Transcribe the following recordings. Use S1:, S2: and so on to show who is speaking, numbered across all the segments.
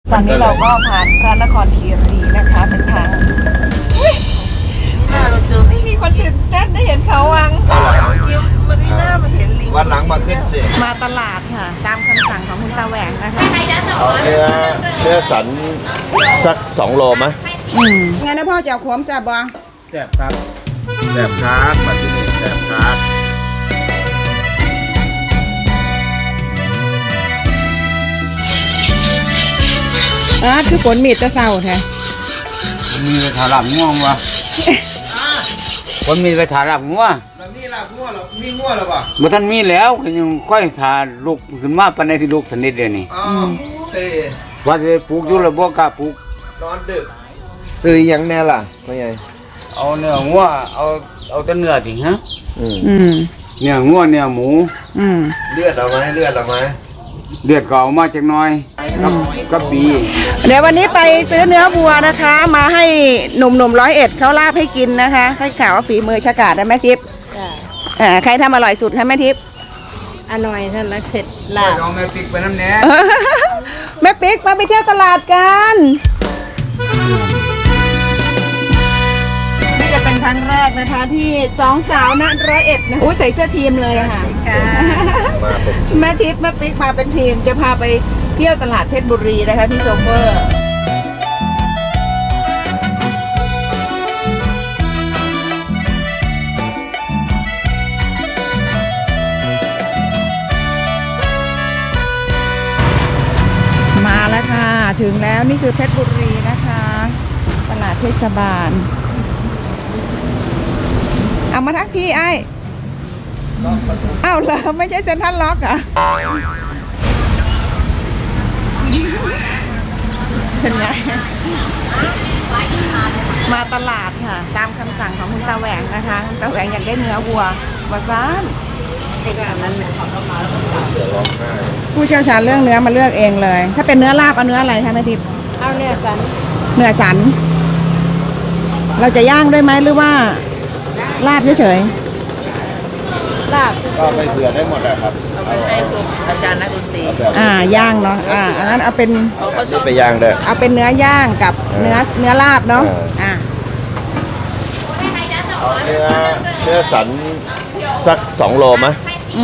S1: ตอนนี้เราก็ผ่านพระนครคีรีนะคะเป็นทางเราเจอนี่มีคนตื่นเต้นได้เห็นเขาวังยิ้มมันไม่น่ามาเห็นลิง
S2: วันหลังมาขึ้นสิ
S1: มาตลาดค่ะตามคำสั่งของคุณตาแหวงนะคะ
S2: เอาเนื้อสันสัก2 โลไหม
S1: งั้นนะพ่อจะเอาขมจับบอ
S2: แซ่บครับแซ่บครับมาที่นี่แซ่บครับ
S1: คือฝนมีดจะเศร้าแท้
S3: มีไปถาลับง่วงวะคนมีไปถาลับง่วง
S2: แล้วนี่ล่ะง่วงหรอมีง่วงหรอปะ
S3: เมื่อท่านมีแล้วก็ยังค่อยถาลูกขึ้นมาปันในที่ลูกสนิทเดียวนี่ว่าจะปลูกอยู่ระบบกล้าปลูก
S2: นอนดึกซื้อยังแน่ล่ะไม่ไง
S3: เอาเนื้อง่วงเอาแต่เนื้อถิงฮะเนื้อง่วงเนื้อหมู
S2: เลือดเอาไหมเลือดเอาไหม
S3: เดือดเก่ามาจากน้อยก็ปี
S1: เดี๋ยววันนี้ไปซื้อเนื้อวัวนะคะมาให้หนุ่ม101เขาลาบให้กินนะคะให้ข่าวว่าฝีมือฉกาจนะแม่ทิพย์ใครทำอร่อยสุดคะแม่ทิพย์
S4: อร่อยท่านละเผ็ดลาบ
S3: เอาแม่ปิ๊กไปน้ำแหน่
S1: แม่ปิ๊กมาไปเที่ยวตลาดกันนี่จะเป็นครั้งแรกนะคะที่2 สาวณ101นะใส่เสื้อทีมเลยค่ะแม่ทิพย์แม่ปิ๊กมาเป็นทีมจะพาไปเที่ยวตลาดเพชรบุรีนะคะพี่โชเฟอร์มาแล้วค่ะถึงแล้วนี่คือเพชรบุรีนะคะตลาดเทศบาลเอามาทักพี่ไอ้อ้าวเหรอไม่ใช่เซ็นทรัลล็อกเหรอเป็นไงมาตลาดค่ะตามคำสั่งของคุณตาแหวงนะคะตาแหวงอยากได้เนื้อวัววาซานผู้เชี่ยวชาญเรื่องเนื้อมาเลือกเองเลยถ้าเป็นเนื้อลาบเอาเนื้ออะไรคะแม่ทิพย์
S4: เอาเนื้อสัน
S1: เนื้อสันเราจะย่างด้วยไหมหรือว่าลาบเฉย
S4: ๆลาบ
S2: ก็ไปเผื่อได้หมดเลยครับ
S1: เอาไปให้อาจารย์นักดนตรีย่างเนาะอันนั้นเอาเป็น
S2: ไปย่างได้
S1: เอาเป็นเนื้อย่างกับเนื้อลาบเนาะ
S2: เอาเนื้อสันสัก2 โลไหม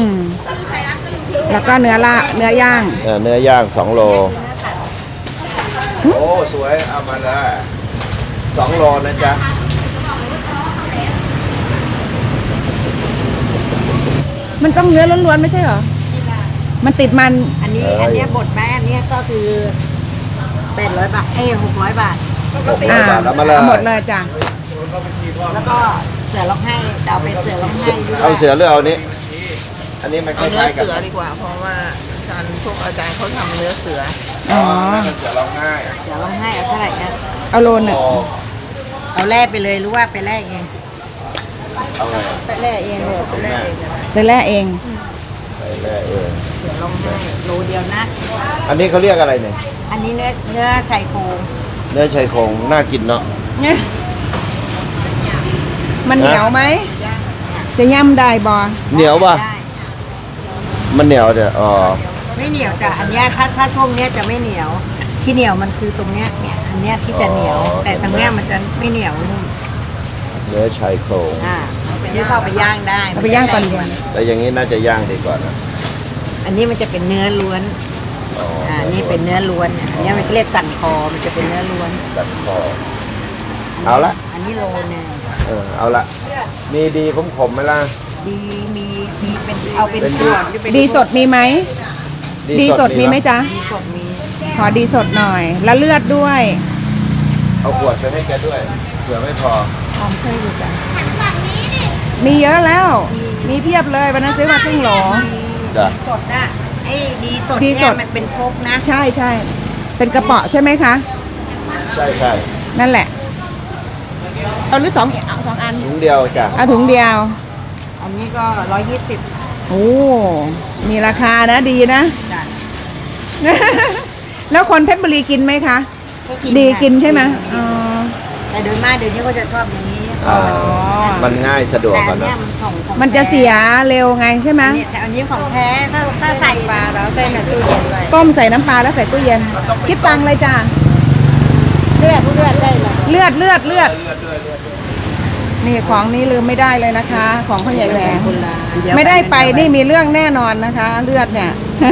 S1: แล้วก็เนื้อย่าง
S2: เนื้อย่าง2 โลโอ้สวยเอามาเลย2 โลนะจ๊ะ
S1: มันต้องเนื้อล้วนๆไม่ใช่เหรอมันติดมัน
S4: อันนี้บดแม่อันนี้ก็คือ800 บาท600 บาท
S2: 600 บาทแล้วมาเลย
S1: หมดเลยจ้ะ
S4: แล้วก็เสือร้องไห้เอาไปเสือร้องไห้ด้วย
S2: เอาเสือหรือเอานี้อันนี้มันคล้ายๆกัน
S1: เสือดีกว่าเพราะว่าอาจารย์เขาทำเนื้อเสือ
S2: เสือร้องไห้
S4: เสือร้องไห้เอาเท่าไหร่นะ
S1: เอาโลนึง
S4: เอาแล่ไปเลยหรือว่าไปแล่เอง
S2: เอาไง
S4: ไปแล่เองเลยไปแล่เอง
S1: ไปแล่เอง
S4: เสือร้องไห้โลเดียวนะ
S2: อันนี้เขาเรียกอะไรเนี่ย
S4: อันนี้เนื้อชายโครง
S2: เนื้อชายโครงน่ากินเนาะ
S1: มันเหนียวไหมจะย่ำได้บ่
S2: เหนียวป่ะมันเหนียวแต่
S4: ไม่เหนียวจ้ะอันนี้ถ้าช่วงนี้จะไม่เหนียวที่เหนียวมันคือตรงเนี้ยอันเนี้ยที่จะเหนียวแต่ตรงเนี้ยมันจะไม่เหนียวนุ่ม
S2: เนื้อชายโครง
S4: นี่เข้าไปย่างได้
S1: เอาไปย่างก่อนดี
S2: แต่อย่างนี้น่าจะย่างดีกว่านะ
S4: อันนี้มันจะเป็นเนื้อล้วนนี่เป็นเนื้อล้วนอันนี้มันเรียกสันคอมันจะเป็นเนื้อล้วน
S2: สันคอเอาละ
S4: อันนี้โลนึง
S2: เอาละมีดีขมไหมล่ะ
S4: ดีมีเป็นเอาเป็นขวด
S1: ดีสดมีไหมดีสดมีไหมจ๊ะ
S4: ดีสดมี
S1: ขอดีสดหน่อยแล้วเลือดด้วย
S2: เอาขวดไปให้แกด้วยเผื่อไม่พอ
S4: เคยอยู่จ้ะ
S1: มีเยอะแล้วมีเพียบเลยวันนั้นซื้อมาครึ่งโหล
S4: ดีสดนะไอ้ดีสดเนี่ยมันเป็นพกนะ
S1: ใช่เป็นกระเป๋าใช่ไหมคะ
S2: ใช่
S1: นั่นแหละเอาหรือ2อัน
S2: ถุงเดียวจ้ะ
S1: เอาถุงเดียว
S4: อันนี้ก็120
S1: โอ้มีราคานะดีนะแล้วคนเพชรบุรีกินไหมคะดีกินใช่ไหม
S4: แต่โดยมากเดี๋ยวนี้ก็จะชอบอย่างนี้
S2: อ่ามันง่ายสะดวก
S4: แต่
S2: กัน
S4: เนี่
S2: นะ
S4: ยมันของ
S1: มันจะเสียเร็วไงใช่ไหม
S4: เนี่ยแต่อันนี้ของแท้ถ้าใส่ปลาแล้วใส่ในตู้เย็นไว้
S1: ต้มใส่น้ำปลาแล้วใส่ตู้เย็นคิดตังค์เลยจ้า
S4: เลือดได้เลย
S1: เลือดนี่ของนี้ลืมไม่ได้เลยนะคะ ของพ่อใหญ่แหวงไม่ได้ไปนี่มีเรื่องแน่นอนนะคะ เลือดเนี่ย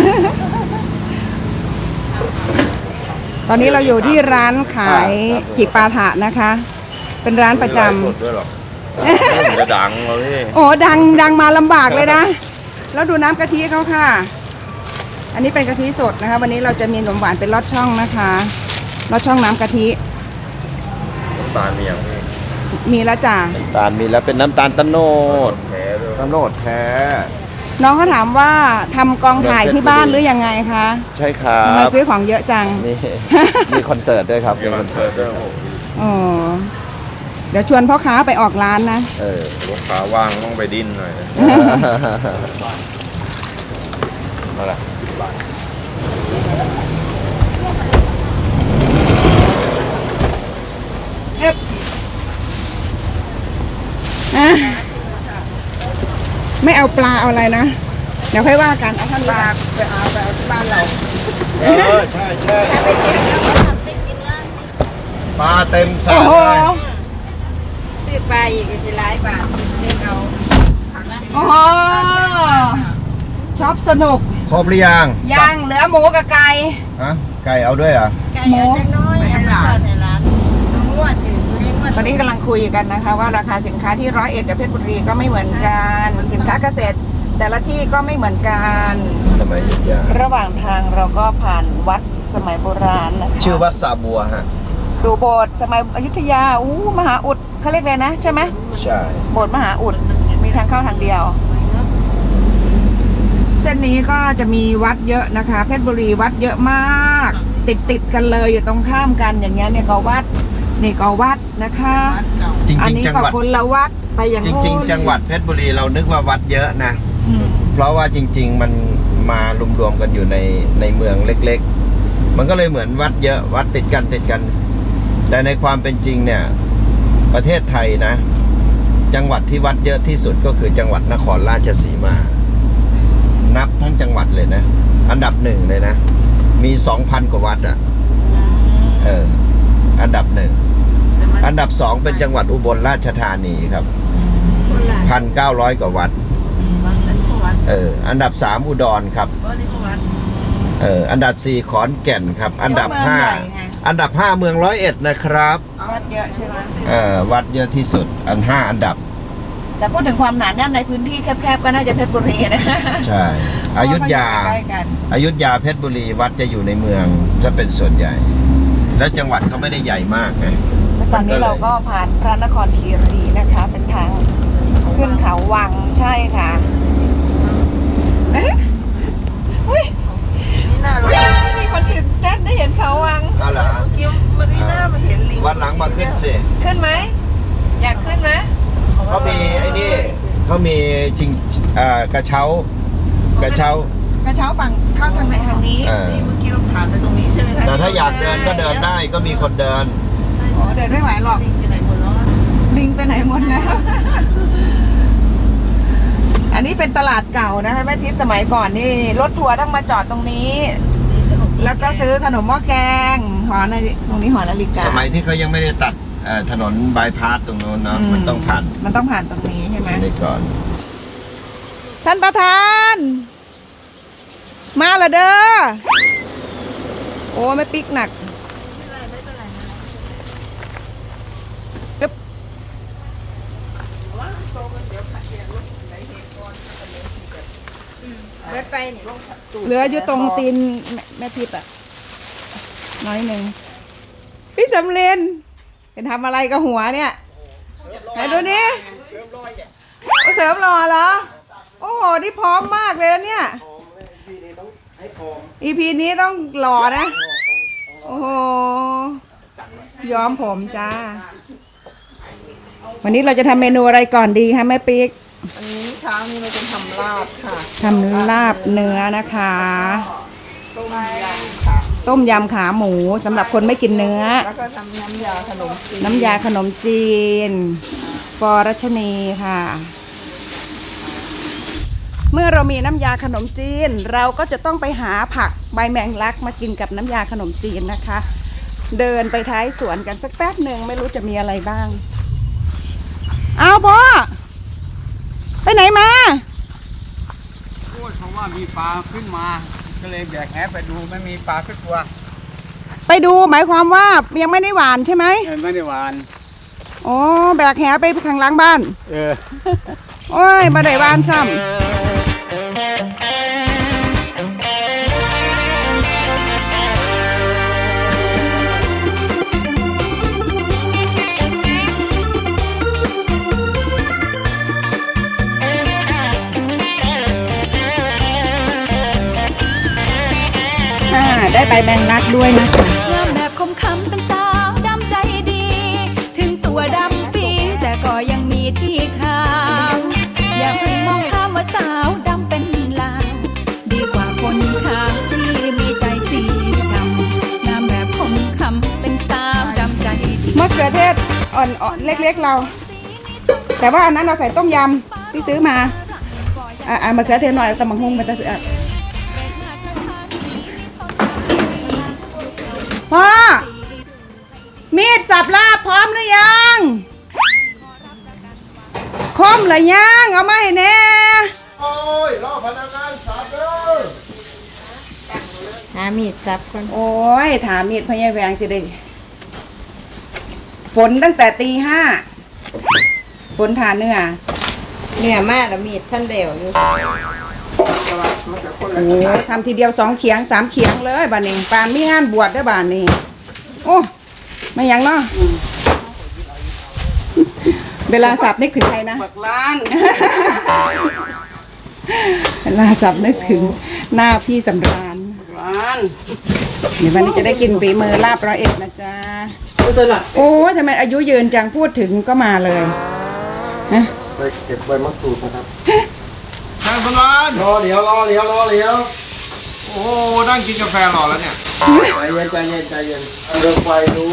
S1: ตอนนี้เราอยู่ที่ร้านขายจิปาถะนะคะ เป็นร้านประจำ
S2: ไม่ไลฟ์สดด้วยหรอกมันจะดังเราพี่
S1: โอ้ดังมาลำบากเลยนะ แล้วดูน้ำกะทิเขาค่ะ อันนี้เป็นกะทิสดนะคะ วันนี้เราจะมีขนมหวานเป็นลอดช่องนะคะลอดช่องน้ำกะทิ
S2: น้ำตาลมีอย่างพี่
S1: มีแล้วจ้ะ
S2: น้ำตาลมีแล้วเป็นน้ำตาลตะโนดแท้ด้วยตะโนดแท้
S1: น้องเขาถามว่าทำกองถ่ายที่บ้านหรือยังไงคะ
S2: ใช่ครั
S1: ทำไม
S2: บ
S1: ซื้อของเยอะจัง
S2: นี่ มีคอนเสิร์ตด้วยครับมีคอนเสิร์ตด้วย
S1: อ๋อเดี๋ยวชวนพ่อค้าไปออกร้านนะ
S2: ลูกค้าว่างต้องไปดิ้นหน่อยมาละ
S1: อ่ะไม่เอาปลาเอาอะไรนะ เดี๋ยวค่อยว่ากันเอาท่านปลาไปเอาที่บ้านเรา
S2: ใช่ปลาเต็มสระ
S1: โอ้โห
S2: เลย
S4: ซื้อปลาอีกสิหลายบาทเด็กเอา
S1: โอ้โหชอบสนุก
S2: ครบหรือยัง
S1: ย่างเหลือหมูกับไก่
S2: ฮะไก่เอาด้วยเหรอ
S4: ไก่เอาจังน้อยให้หลานงวดถือตัวเล็กงวด
S1: ตอนนี้กำลังคุยกันนะคะ ว่าราคาสินค้าที่ร้อยเอ็ดกับเพชรบุรีก็ไม่เหมือนกันสินค้าเกษตร แต่ละที่ก็ไม่เหมือนกัน
S2: สมัยอยุธยา
S1: ระหว่างทางเราก็ผ่านวัดสมัยโบราณนะคะ
S2: ชื่อวัดสาบัวฮะ
S1: ดูโบสถ์สมัยอยุธยามหาอุดเขาเรียกเลยนะใช่ไหม
S2: ใช่
S1: โบสถ์มหาอุดมีทางเข้าทางเดียว เส้นนี้ก็จะมีวัดเยอะนะคะ เพชรบุรีวัดเยอะมาก ติดกันเลยอยู่ตรงข้ามกันอย่างเงี้ยเนี่ยก็วัดนี่ก็วัดนะคะ
S2: จริง
S1: อัน
S2: ๆ
S1: นี้
S2: จัง
S1: ก็
S2: หวัด
S1: คนละวัดไปอย่าง
S2: จริง ๆ จังหวัดเพชรบุรีเรานึกว่าวัดเยอะนะ
S1: อืม
S2: เพราะว่าจริง ๆ มันมารวมๆกันอยู่ในเมืองเล็กๆ มันก็เลยเหมือนวัดเยอะวัดติดกัน แต่ในความเป็นจริงเนี่ยประเทศไทยนะ จังหวัดที่วัดเยอะที่สุดก็คือจังหวัดนครราชสีมา นับทั้งจังหวัดเลยนะ อันดับหนึ่งเลยนะ มี 2,000 กว่าวัดอ่ะอันดับหนึ่งอันดับสองเป็นจังหวัดอุบลราชธานีครับ 1,900 กว่าวัดอันดับ3อุดรครับอันดับ4ขอนแก่นครับ อันดับ5เมืองร้อยเอ็ดนะครับ
S1: วัดเยอะใช่ไหม
S2: วัดเยอะที่สุด5 อันดับ
S1: แต่พูดถึงความหนาแน่นในพื้นที่แคบๆก็น่าจะเพชรบุรีนะ
S2: ใช่อยุธยา
S1: ใกล้กัน
S2: อยุธยาเพชรบุรีวัดจะอยู่ในเมืองจะเป็นส่วนใหญ่ แล้วจังหวัดเขาไม่ได้ใหญ่มากไง
S1: แล้วตอนนี้เราก็ผ่านพระนครคีรีนะคะ เป็นทางขึ้นเขาวังใช่ค่ะอุ้ยมีคนตื่นเต้นได้เห็นเขาวัง
S2: ก็เหรอ
S1: ยิ้มมารีน่ามาเห็นลิง
S2: วันหลังมาขึ้นสิ
S1: ขึ้นไหมอยากขึ้นไหม
S2: เขามีไอ้นี่เขามีจริงกระเช้ากระเช้า
S1: กระเช้าฝั่งเข้าทางไหนทางนี้
S2: นี่เมื่อกี้
S1: เราผ่านไปตรงนี้ใช่ไหมคะ
S2: แต่ถ้าอยากเดินก็เดินได้ก็มีคนเดิน
S1: อ๋อเดินไม่ไหวหรอกลิงไปไหนหมดแล้วลิงไปไหนหมดแล้ว อันนี้เป็นตลาดเก่านะคะแม่ทิพย์สมัยก่อนนี่รถทัวร์ต้องมาจอดตรงนี้ แล้วก็ซื้อขนมหม้อแกงหอนาฬิตรงนี้หอนาฬิกา
S2: สมัยที่เขายังไม่ได้ตัดถนนบายพาสตรงโน้นเนาะมันต้องผ่าน
S1: มันต้องผ่านตรงนี้ใช่ไหม
S2: นี่ก่อน
S1: ท่านประธาน มาละเด้อโอ้ไม่ปิกหนักอึ๊บ
S4: เบิดไปนี่
S1: เหลืออยู่ตรงตีนแม่ทิพย์อ่ะน้อยหนึ่งพี่สำเร็จเป็นทำอะไรกับหัวเนี่ยไหนดูนี่เสริมหล่อเหรอโอ้โหนี่พร้อมมากเลยนะเนี่ย EP นี้ต้องหล่อนะโอ้โหย้อมผมจ้าวันนี้เราจะทำเมนูอะไรก่อนดีคะแม่ปิ๊ก
S5: อันนี้เช้านี้เราจะทำลาบค่ะ
S1: ทำลาบเนื้อนะคะ
S5: ต้มยำค่ะ
S1: ต้มยำขาหมูสำหรับคนไม่กินเนื้อ
S5: แล้วก็ทำน้ำยาขนมจีน
S1: น้ำยาขนมจีนปอรัชนีค่ะ เมื่อเรามีน้ำยาขนมจีนเราก็จะต้องไปหาผักใบแมงลักมากินกับน้ำยาขนมจีนนะคะ เดินไปท้ายสวนกันสักแป๊บหนึ่งไม่รู้จะมีอะไรบ้างเอาพ่อไปไหนมา
S3: โอ้ยเขาว่ามีปลาขึ้นมาก็เลยแบกแหไปดูไม่มีปลาสักตัว
S1: ไปดูหมายความว่ายังไม่ได้หวานใช่ไหม
S3: ไม่ได้หวาน
S1: อ๋อแบกแหไปข้างหลังบ้าน โอ้ยมาได้หวานซ้ำได้ใบแมงลักด้วยนะคะ
S6: งามแบบคมคำเป็นสาวดำใจดี ถึงตัวดำปีแต่ก็ยังมีที่ขาว อย่าเพิ่งมองข้ามว่าสาวดำเป็นลาวดีกว่าคนขาวที่มีใจสีดำงามแบบคมคำเป็นสาวดำใจดี
S1: มะเขือเทศอ่อนๆเล็กๆเรา แต่ว่าอันนั้นเราใส่ต้มยำที่ซื้อมามะเขือเทศหน่อยตำบักหุ่งมันจะเสียพ่อมีดสับลาบพร้อมหรือยังคมหรือยังเอามาให้แน่
S2: โอ้ยรอพนักงานสับเลย
S4: หามีดซับคน
S1: โอ้ยถามมีดพญาแวงสิได้ฝนตั้งแต่ตี 5ฝนทานเนื้อ
S4: เนี่ยมาแล้วมีดท่านเดียวอยู่
S1: โอ้ทำทีเดียว2 เขียง 3 เขียงเลยบ้านนี้ปานมีงานบวชได้บ้านนี้โอ้ไม่ยังเนาะเวลาสับนึกถึงใครนะ
S5: ปักล้าน
S1: เวลาสับนึกถึงหน้าพี่สำราญ
S5: ล้าน
S1: เดี๋ยววันนี้จะได้กินฝีมือลาบร้อยเอ็ดนะจ๊ะโอ้ทำไมอายุยืนจังพูดถึงก็มาเลยนะ
S2: ไปเก็บใบมะกรูดนะครับท่านสมานรอเหลียวโอ้นั่งกินกาแฟรอแล้วเนี่ยใจเย็นเริ่มไฟด้วย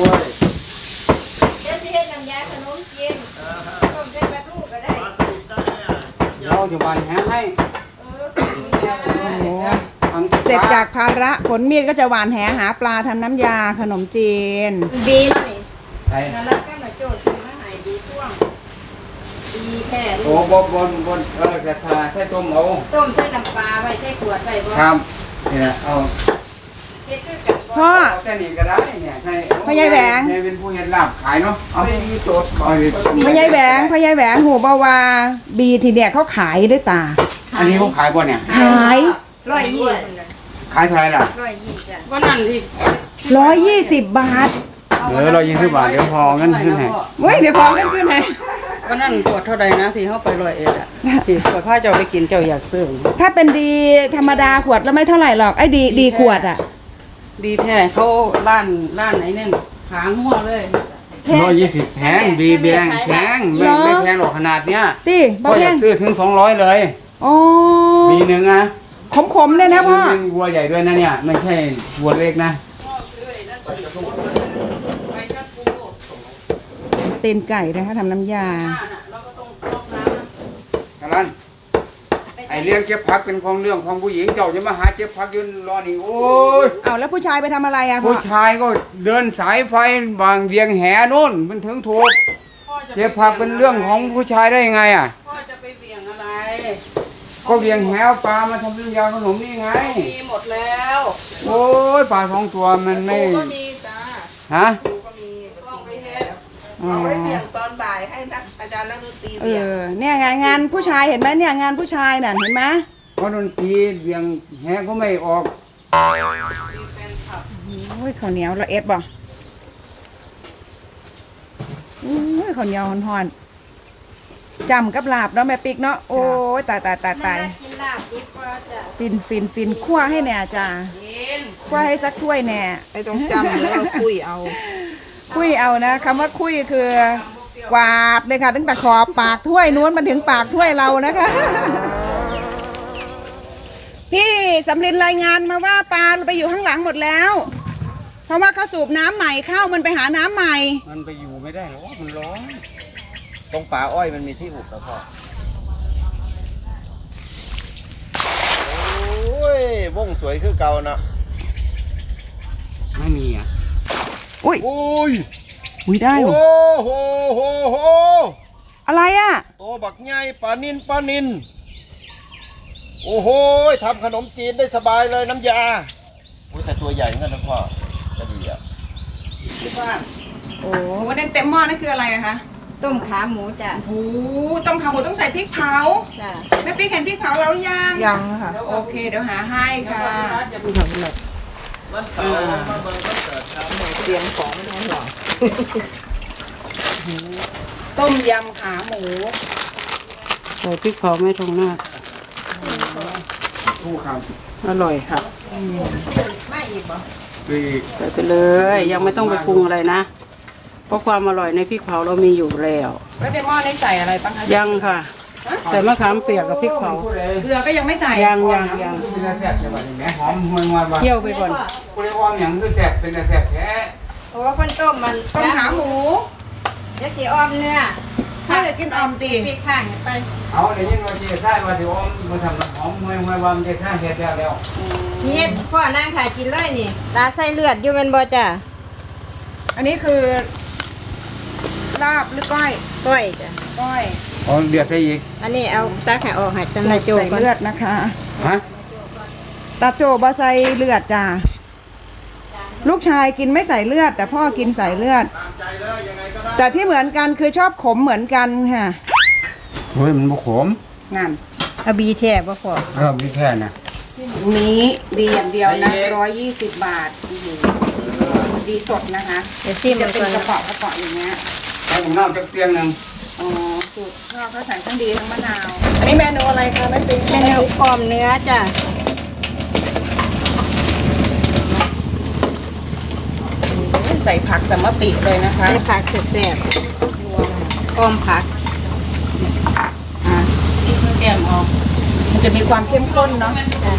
S3: เราจะหวานแหให้
S1: โอ้เสร็จจากภาระขนมีดก็จะหวานแหหาปลาทำน้ำยาขนมจีน
S4: บีเนาะนี่
S3: ไป
S4: นั่นแล้วก็มาโจทย์ซื้อมาให้บีช่วงบีแค่
S3: โอ้บนกระทาใส่ต้มเอา
S4: ต้มใส่น้ำปลาไว้ใส่ขวดไว้บ่
S3: ครับเนี่ยเอา
S4: เฮ็ดคือกันบ่
S1: พ่อ
S3: เอาแค่นี้ก็ได้เนี่ยใช่
S1: พ่อใหญ่แหวง
S3: เป็นผู้เฮ็ดลาบขายเนาะเอาที่สดเอาดิ
S1: พญายแหวงหูบาวาบีทีเนี่ยเขาขายด้วยตา
S3: อันนี้เขาขายบ่เนี่ย
S1: ขาย
S3: ขายเท่าไหร่ล่ะ
S4: 120จ้ะ
S5: วันนั้นที่
S1: 120 บาท
S3: 120 บาทเดี๋ยวพอเงินขึ้นให้
S1: เว้ยเดี๋ยวพอกันขึ้นไหน
S5: วันนั้นปวดเท่าใดนะที่เขาไป101อ่ะที่ปวดผ้าเจ้าไปกินเจ้าอยากซื้อ
S1: ถ้าเป็นดีธรรมดาขวดแล้วไม่เท่าไหร่หรอกไอ้ดีขวดอ่ะ
S5: ดีแท้เขาร้านไหนเนี่ยขางหัวเลย
S3: 120แพงบีแบงแพงไม่แพงหรอกขนาดเนี้ย
S1: ตีบ่
S3: พ่ออ
S1: แพ
S3: ยาก
S1: ง
S3: ซื้อถึง200เลย
S1: อ๋อ
S3: มีหนึ่งนะ
S1: ขมๆเลยนะพ่อ
S3: เป็นวัวใหญ่ด้วยนะเนี่ยไม่ใช่วัวเล็กนะ
S1: ตีนไก่นะคะทำน้ำยา
S3: กะลันไอเรื่องเก็บผักเป็นของเรื่องของผู้หญิงเจ้าจะมาหาเก็บผักยืนรอนี่โอ้ย
S1: เอาแล้วผู้ชายไปทำอะไรอะพ่อ
S3: ผู้ชายก็เดินสายไฟบางเวียงแหนู่นมันถึงถูกเก็บผักเป็นเรื่องของผู้ชายได้ยังไงอ่ะ
S5: พ่อจะไปเบี่ยงอะไร
S3: ก็เวียงแหเอาปลามาทำน้ำยาขนมนี่ไง
S5: มีหมดแล้ว
S3: โอ้ยปลา2 ตัวมันไม่
S5: ก็มีจ้า
S3: ฮะ
S5: ปูก็มีต้องไปเฮ็ด
S3: อ๋อ
S5: เอาไว้เบี่ยงตอนบ่ายให้นักอาจารย์นักดนตรี
S1: เอ
S5: เบี่ยง
S1: อเนี่ยงานผู้ชายเห็นไหมเนี่ยงานผู้ชายน่ะเห็นไหม
S3: เพราะดนตรีเวียงแหก็ไม่ออก
S1: โอ้ยข้าวเหนียวละเอ็ดบ่โอ้ยข้าวเหนียวห่อนๆจำกับลาบเนาะแม่ปิ๊กเนาะโอ้ยตาย
S4: กินลาบดิบก็จะ
S1: ฟินคั่วให้แน่จ้าคั่วให้สักถ้วยแน่
S5: ไอ้ต้องจำแล้วคุยเอา
S1: คุยเอานะคำว่าคุยคือกวาดเลยค่ะตั้งแต่ขอบปากถ้วยนู้นมันถึงปากถ้วยเรานะคะ พี่สำลินรายงานมาว่าปลาไปอยู่ข้างหลังหมดแล้ว เพราะว่าเขาสูบน้ำใหม่เข้ามันไปหาน้ำใหม่
S3: มันไปอยู่ไม่ได้หรอกมันร้อน
S2: ตรงป่าอ้อยมันมีที่หุบนะพ่อโอ้ยวงสวยคือเก่านะ
S3: ไม่มีอ่ะ
S1: อุ้ย
S2: โอ้ย
S1: อุ้ยได้
S2: โอ้
S1: ว่ะ
S2: โหโหโห
S1: อะไรอ่ะ
S2: โตบักใหญ่ปลานินโอ้โหทำขนมจีนได้สบายเลยน้ำยาอุ้ยแต่ตัวใหญ่เหมือนกันนะพ่อจะดีอ่ะ
S1: โอ้โหนั่นเต็มหม้อนั่นคืออะไรอะคะ
S4: ต้มขาหมูจ้ะ
S1: โอ้โหต้มขาหมูต้องใส่พริกเผา
S4: จ้ะ
S1: แม่ปิ๊กเห็นพริกเผาแล้วหรือยัง
S5: ยังค่ะ
S1: โอเคเดี๋ยวหาให้ค่ะ
S2: มันเก่ามาเบิ่งมันเกิดครับ
S5: เตรียมของไม่ต้องห่วง
S1: ต้มยำขาหมู
S5: ใส่พริกเผาไม่ทงหน้า
S3: ผู้ค
S5: อร่อยค่ะ
S4: ไม่อีกบ่
S3: ำคือ
S5: ใส่ไปเลย ยังไม่ต้องไปปรุงอะไรนะ เพราะความอร่อยในพริกเผาเรามีอยู่แล้ว
S1: แล้วในหม้อนี่ใส่อะไรบ้างคะ
S5: ยังค่ะ ใส่มะขามเปียกกับพริกเผา
S1: เกลือก็ยังไม่ใส่
S5: ยัง
S3: เป็นตาแซ่บจังหวะนี้แม่หอมห่วยมาว่า
S5: เคี่ยวไปก่อน
S3: ผู้ใดอ้อมหยังคือแซ่บเป็นตาแซ่บแท้
S4: เพราะว่าคนต้มมัน
S1: ต้มขาหมู
S4: เดี๋ยวสีอ้อมเนื้อ
S1: ถ้าจะกินออมตี
S4: พริกข้างเนี่ยไป
S3: เอาได้ยินว่าสิใช่ว่าสิอ้อมมาทำหอมห่วยว่ามันจะท่าเฮ็ดแล้ว
S4: นี่พ่อนั่งขายกินเลยนี่ตาใส่เลือดอยู่เป็นบ่จ้ะ
S1: อันนี้คือลาบหรือก้อย
S4: ก้อยจ้ะ
S1: ก้อย
S3: อ๋อเดือดใส่อีก
S4: อันนี้เอาซักให้ออกให้จัง
S1: ใส่
S4: นายโจ
S1: ใส่
S4: ก่อน
S1: เลือดนะคะ
S3: ฮะ
S1: ตาโจบะใส่เลือดจ้าลูกชายกินไม่ใส่เลือด แต่พ่อกินใส่เลือด
S2: ตามใจเลยยังไงก็ได้
S1: แต่ที่เหมือนกันคือชอบขมเหมือนกันค่ะ
S3: เฮ้ยมันบ่ขม
S1: งาน
S4: เอาบีแท่บ่พอ
S3: มีแค่น่ะ
S1: นี้ดีอย่างเดียวนะ120 บาทดีสดนะคะ
S4: เดี๋ยวซิม
S1: จะ
S4: มัน
S1: เป็น
S4: ก่อน
S1: กระเป๋ากระเป๋าอย่างเงี้ย
S3: ใส่น้ำจักเตียงนึง
S1: อ๋อสูตรพ่อเขาใส่ทั้งดีทั้งมะนาว อันนี้เมนูอะไรคะแม่ปิ๊ง
S4: เมนูอ้อมเนื้อจ้ะ
S1: ใส่ผักสมปิเลยนะคะ
S4: ใส่ผักแซ่บๆอ้อมผัก
S1: อ่าแกมออกมันจะมีความเข้มข้นเนาะ
S4: จ้ะ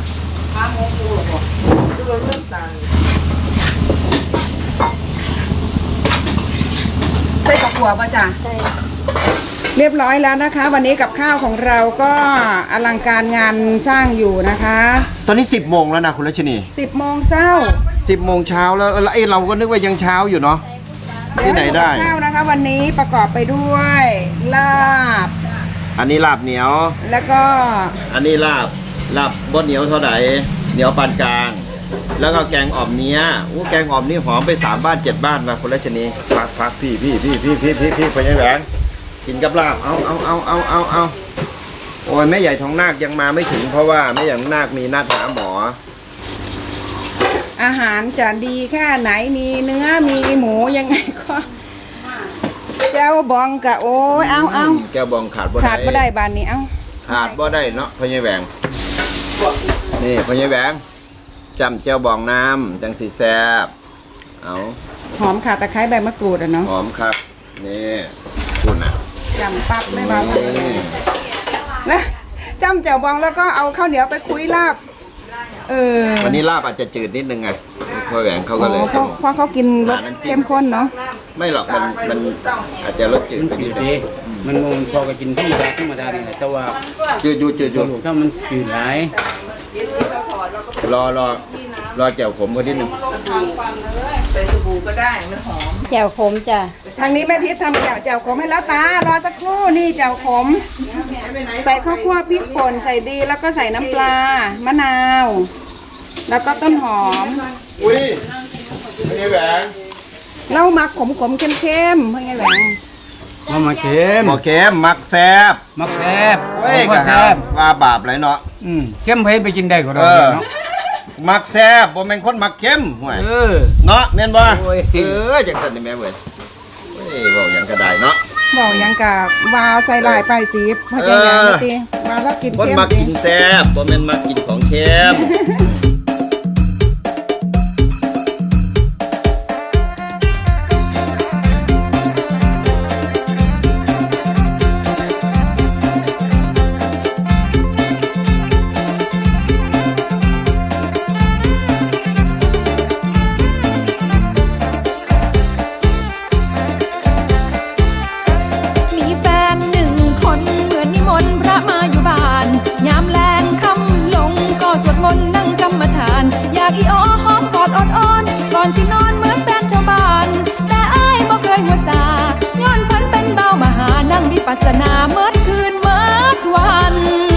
S1: ใส่กับหัวป่ะจ๊ะ
S4: ใส่
S1: เรียบร้อยแล้วนะคะ วันนี้กับข้าวของเราก็อลังการงานสร้างอยู่นะคะ
S2: ตอนนี้10 โมงแล้วนะคุณรัชนี
S1: 10 โมงเช้า
S2: 10 โมงเช้าแล้วไอ้เราก็นึกว่ายังเช้าอยู่เนาะที่ไหนได้
S1: เยวให้กับข้าวนะคะ วันนี้ประกอบไปด้วยลาบ
S2: อันนี้ลาบเหนียว
S1: แล้วก็
S2: อันนี้ลาบบ่เหนียวเท่าไหร่เหนียวปานกลาง แล้วก็แกงอ่อมเนี้ยอู้แกงอ่อมนี่หอมไป3 บ้าน 7 บ้านมาคุณรัชนีพักพี่ไปยังแหวนกินกับลาบเอาโอ้ยแม่ใหญ่ทองนาคยังมาไม่ถึงเพราะว่าแม่ใหญ่ทองนาคมีนัดหาหมอ
S1: อาหารจะดีแค่ไหนมีเนื้อมีหมูยังไงก็เจ้าบองกะโอ้ยเอา
S2: แก้วบองขาดบ่
S1: ขาดบ่ได้บานนี้เอา
S2: ขาดบ่ได้เนาะพ่อใหญ่แหวงนี่พ่อใหญ่แหวงจำแก้วบองน้ำจังสีแซ่บเอา
S1: หอมขาตะไคร้ใบมะกรูดอะเนาะ
S2: หอมครับนี่คุณอ่ะ
S1: จำปั๊บไม่เบา
S2: นี่
S1: นะจำแจ่วบองแล้วก็เอาข้าวเหนียวไปคุยลาบๆ
S2: วันนี้ลาบอาจจะจืดนิดนึงไงพ่อแหวงเขาก็เลย
S1: เพราะเขากินรสเข้มข้นเนาะ
S2: ไม่หรอกมันอาจจะรสจืดไปนิดนึง
S3: มันพอก็กินที่แบบธรรมดานี่แหละแต่ว่า
S2: จืดอยู่
S3: ลูกถ้ามันจืดหลาย
S2: รอแจ่วขมก็นิดนึง
S4: แจ่วขมจ้ะ
S1: ทางนี้แม่พิษทำแจ่วขมให้แล้วตารอสักครู่นี่แจ่วขม ใส่ข้าวคั่วพริกป่นใส่ดีแล้วก็ใส่น้ำปลามะนาว แล้วก็ต้นหอม
S2: อุ้ยพ่อใหญ่แหวง
S1: เหล้ามักขมๆเข้มๆเพื่อไงแหวง
S3: มาเค็ม
S2: หมอเค็มมักแซ่บ
S3: มักแซ่บ
S2: เว้ยกะ
S3: แซ่บ
S2: ว่าบาปไรเนาะ
S3: เข้มไปกินได้ก็ได้เนาะ
S2: มักแซ่บบ่แม่นคนมักเค็มห่วย เนาะแม่นบ่
S3: โอ้ย
S2: จังซั่นนี่แม่เว้ยเว้ยเว้าหยังก็ได้เนาะ
S1: บอกยังกับว่าใส่ลายไปสีเพื่อไงแหวงตีว่าแล้วกิน
S2: คน
S1: เข้ม
S2: มัก
S1: ดิ
S2: กินแซ่บบ่แม่นมักกินของเค็ม
S6: สนาเมิดคืนเมิดวัน